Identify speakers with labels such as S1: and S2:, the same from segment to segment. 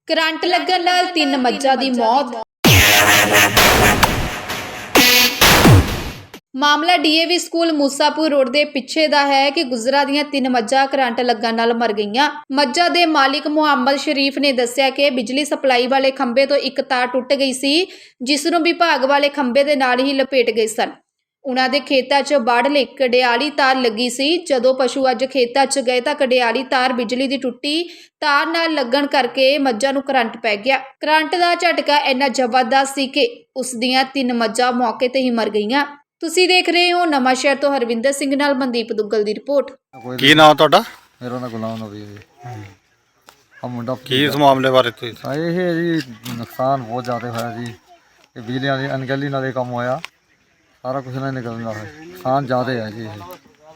S1: Current लगन नाल 3 मज्जां दी मौत। मामला डीएवी स्कूल मूसापुर रोड के पिछे का है कि गुजरा दियां 3 मज्जां करंट लगन नाल मर गईयां। मज्जां दे मालिक मुहम्मद शरीफ ने दस्सिया कि बिजली सप्लाई वाले खंबे तो एक तार टुट गई सी, जिस नूं विभाग वाले खंबे दे नाल ही लपेट गए सन। उन्हां दे खेतां 'च बाढ़ ਲਈ कडियाली तार लगी सी। जदों पशु अज खेतां 'ਚ गए तां कडियाली तार बिजली दी टुੱਟੀ तार नाल लगन करके मज्जां नूं करंट पै गया। करंट दा झटका इन्ना जबरदस्त सी कि उस दियां 3 मज्जां मौके ते ही मर गईयां। ਤੁਸੀਂ देख रहे हो नवां शहर तो हरविंदर सिंह नाल मनदीप दुग्गल ਦੀ ਰਿਪੋर्ਟ।
S2: ਕੀ ਨਾਮ ਤੁਹਾਡਾ?
S3: मेरा नाम गुलाम नबी है जी। हम मुंडा
S2: ਕੀ ਇਸ ਮਾਮਲੇ ਬਾਰੇ ਤੁਸੀਂ
S3: ਇਹ ਹੈ ਜੀ ਨੁਕਸਾਨ ਬਹੁਤ ਜ਼ਿਆਦਾ ਹੋਇਆ ਜੀ। ਇਹ ਬਿਜਲੀਆਂ ਦੀ ਅਣਗਹਿਲੀ ਨਾਲ ਇਹ ਕੰਮ ਹੋਇਆ, ਸਾਰਾ ਕੁਝ ਨਾਲ ਨਿਕਲਦਾ ਹੈ, ਨੁਕਸਾਨ ਜ਼ਿਆਦਾ ਹੈ ਜੀ। ਇਹ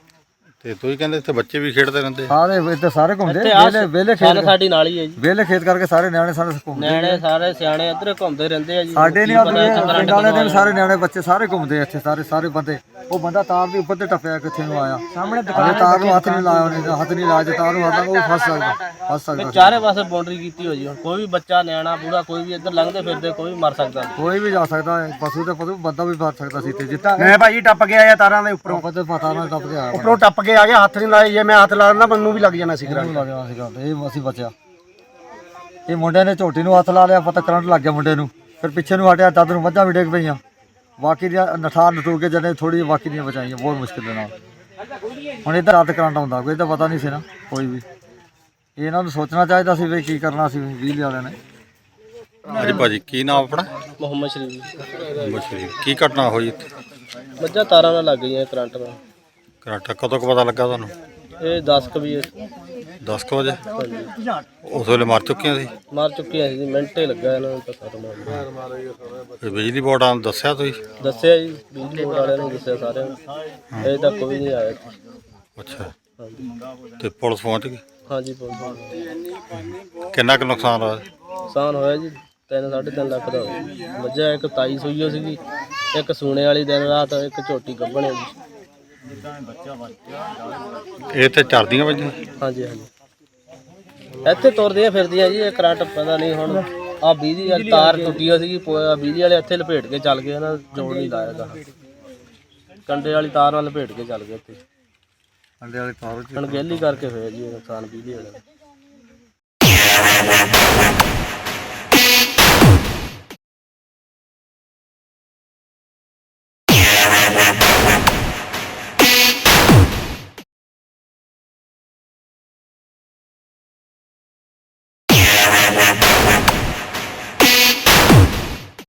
S2: ਤੇ ਤੁਸੀਂ ਕਹਿੰਦੇ ਇੱਥੇ ਬੱਚੇ ਵੀ ਖੇਡਦੇ ਰਹਿੰਦੇ?
S3: ਸਾਰੇ ਇੱਥੇ ਸਾਰੇ ਘੁੰਮਦੇ ਵੇਲੇ ਖੇਤ ਸਾਡੀ ਨਾਲ ਹੀ ਹੈ ਜੀ। ਵੇਲੇ ਖੇਤ ਕਰਕੇ ਸਾਰੇ ਨਿਆਣੇ ਸਾਰੇ ਘੁੰਮਦੇ,
S4: ਨਿਆਣੇ ਸਾਰੇ ਸਿਆਣੇ ਇੱਧਰ ਘੁੰਮਦੇ ਰਹਿੰਦੇ ਆ ਜੀ।
S3: ਸਾਡੇ ਨਹੀਂ ਪਿੰਡ ਵਾਲੇ ਦੇ ਵੀ ਸਾਰੇ ਨਿਆਣੇ ਬੱਚੇ ਸਾਰੇ ਘੁੰਮਦੇ ਇੱਥੇ, ਸਾਰੇ ਬੰਦੇ। ਉਹ ਬੰਦਾ ਤਾਰ ਦੇ ਉੱਪਰ ਤੇ ਟੱਪਿਆ, ਕਿੱਥੇ ਨੂੰ ਆਇਆ ਸਾਹਮਣੇ ਦੁਕਾਨ, ਤਾਰ ਨੂੰ ਹੱਥ ਨਹੀਂ ਲਾਇਆ ਉਹਨੇ, ਹੱਥ ਨਹੀਂ ਲਾਇਆ, ਤਾਰ ਨੂੰ ਹੱਥ ਉਹ ਫਸ ਸਕਦਾ।
S4: ਚਾਰੇ ਪਾਸੇ ਬਾਉਂਡਰੀ ਕੀਤੀ ਹੋਈ ਹੁਣ ਕੋਈ ਵੀ ਬੱਚਾ ਨਿਆਣਾ ਬੂੜਾ ਕੋਈ ਵੀ ਇੱਧਰ ਲੰਘਦੇ ਫਿਰਦੇ ਕੋਈ ਵੀ ਮਰ ਸਕਦਾ,
S3: ਕੋਈ ਵੀ ਜਾ ਸਕਦਾ ਹੈ। ਪਸ਼ੂ ਤੇ ਪਸ਼ੂ ਬੰਦਾ ਵੀ ਮਰ ਸਕਦਾ ਸੀ ਤੇ ਜਿੱਤਾ
S5: ਮੈਂ ਭਾਜੀ ਟੱਪ ਕੇ ਆਇਆ ਤਾਰਾਂ ਦੇ ਉੱਪਰੋਂ,
S3: ਪਤਾ ਨਾ ਟੱਪ ਗਿਆ
S5: ਉੱਪਰੋਂ ਟੱਪ ਕੇ ਆ ਗਿਆ, ਹੱਥ ਨਹੀਂ ਲਾਇਆ। ਜੇ ਮੈਂ ਹੱਥ ਲਾ ਦਿੰਦਾ ਮੈਨੂੰ ਵੀ ਲੱਗ ਜਾਣਾ ਸੀ ਕਰੰਟ।
S3: ਲੱਗਿਆ ਸੀਗਾ ਇਹ ਅਸੀਂ ਬਚਿਆ। ਇਹ ਮੁੰਡੇ ਨੇ ਝੋਟੀ ਨੂੰ ਹੱਥ ਲਾ ਲਿਆ, ਪਤਾ ਕਰੰਟ ਲੱਗ ਗਿਆ ਮੁੰਡੇ ਨੂੰ। ਫਿਰ ਪਿੱਛੇ ਨੂੰ ਹਟਿਆ, ਤਦ ਨੂੰ ਮੱਝਾਂ ਵੀ ਡਿੱਗ ਪਈਆਂ। ਬਾਕੀ ਦੀਆਂ ਨਠਾਰ ਨਟੂ ਕੇ ਜਨੇ ਥੋੜੀ ਬਾਕੀ ਦੀਆਂ ਬਚਾਈਆਂ ਬਹੁਤ ਮੁਸ਼ਕਿਲ ਦੇ ਨਾਲ। ਹੁਣ ਇੱਧਰ ਰਾਤ ਕਰੰਟ ਆਉਂਦਾ, ਕੋਈ ਤਾਂ ਪਤਾ ਨਹੀਂ ਸੀ ਨਾ ਕੋਈ ਵੀ। ਇਹਨਾਂ ਨੂੰ ਸੋਚਣਾ ਚਾਹੀਦਾ ਸੀ ਵੀ ਕੀ ਕਰਨਾ ਸੀ ਬਿਜਲੀ ਵਾਲਿਆਂ ਨੇ।
S2: ਹਾਂਜੀ ਭਾਜੀ, ਕੀ ਨਾਮ ਆਪਣਾ?
S4: ਮੁਹੰਮਦ ਸ਼ਰੀਫ।
S2: ਮਸ਼ਰੀ ਕੀ ਘਟਨਾ ਹੋਈ ਇੱਥੇ?
S4: ਮੱਝਾਂ ਤਾਰਾਂ ਨਾਲ ਲੱਗ ਗਈਆਂ ਕਰੰਟ ਨਾਲ।
S2: ਕਰੰਟ ਕਦੋਂ ਕੁ ਪਤਾ ਲੱਗਾ ਤੁਹਾਨੂੰ?
S4: ਇਹ 10 ਕੁ ਵਜੇ
S2: 10 ਕੁ ਵਜੇ? ਉਸ ਵੇਲੇ ਮਰ ਚੁੱਕੀਆਂ ਸੀ?
S4: ਮਾਰ ਚੁੱਕੀਆਂ ਸੀ, ਮਿੰਟੇ ਲੱਗਾ ਇਹਨਾਂ ਨੂੰ ਪਤਾ ਮਾਰ।
S2: ਤੇ ਬਿਜਲੀ ਬੋਰਡ ਨੂੰ ਦੱਸਿਆ ਤੁਸੀਂ?
S4: ਦੱਸਿਆ ਜੀ, ਬਿਜਲੀ ਬੋਰਡ ਵਾਲਿਆਂ ਨੂੰ ਦੱਸਿਆ ਸਾਰਿਆਂ ਨੂੰ। ਅਜੇ ਤੱਕ ਕੋਈ ਨਹੀਂ ਆਇਆ।
S2: ਅੱਛਾ,
S4: ਹਾਂਜੀ
S2: ਤੇ ਪੁਲਿਸ ਪਹੁੰਚ ਗਈ?
S4: ਹਾਂਜੀ ਪਹੁੰਚ।
S2: ਕਿੰਨਾ ਕੁ ਨੁਕਸਾਨ ਹੋਇਆ?
S4: ਨੁਕਸਾਨ ਹੋਇਆ ਜੀ 3-3.5 ਲੱਖ ਦਾ ਹੋਇਆ। ਮੱਝਾਂ ਇੱਕ ਤਾਈ ਸੂਈ ਹੋ ਸੀਗੀ, ਇੱਕ ਸੂਣੇ ਵਾਲੀ ਦਿਨ ਰਾਤ, ਇੱਕ ਝੋਟੀ ਗੱਭਣ ਹੈ ਜੀ।
S2: ਇਹ ਤੇ ਚਰਦੀਆਂ ਵੱਜੀਆਂ?
S4: ਹਾਂਜੀ ਇੱਥੇ ਤੁਰਦੀਆਂ ਫਿਰਦੀਆਂ ਜੀ। ਇਹ ਕਰੰਟ ਪਤਾ ਨਹੀਂ ਹੁਣ ਆ ਬਿਜਲੀ ਵਾਲੀ ਤਾਰ ਟੁੱਟੀ ਹੋਈ ਸੀਗੀ, ਬਿਜਲੀ ਵਾਲੇ ਇੱਥੇ ਲਪੇਟ ਕੇ ਚੱਲ ਗਏ, ਇਹਨਾਂ ਜੋੜ ਨਹੀਂ ਲਾਇਆ ਗਾ। ਕੰਡੇ ਵਾਲੀ ਤਾਰ ਨਾਲ ਲਪੇਟ ਕੇ ਚੱਲ ਗਏ ਇੱਥੇ।
S3: ਅੰਡੇ ਵਾਲੀ ਤਾਰ
S4: ਅਣਗਹਿਲੀ ਕਰਕੇ ਹੋਇਆ ਜੀ ਇਹ ਨੁਕਸਾਨ ਬਿਜਲੀ ਵਾਲੇ ਦਾ।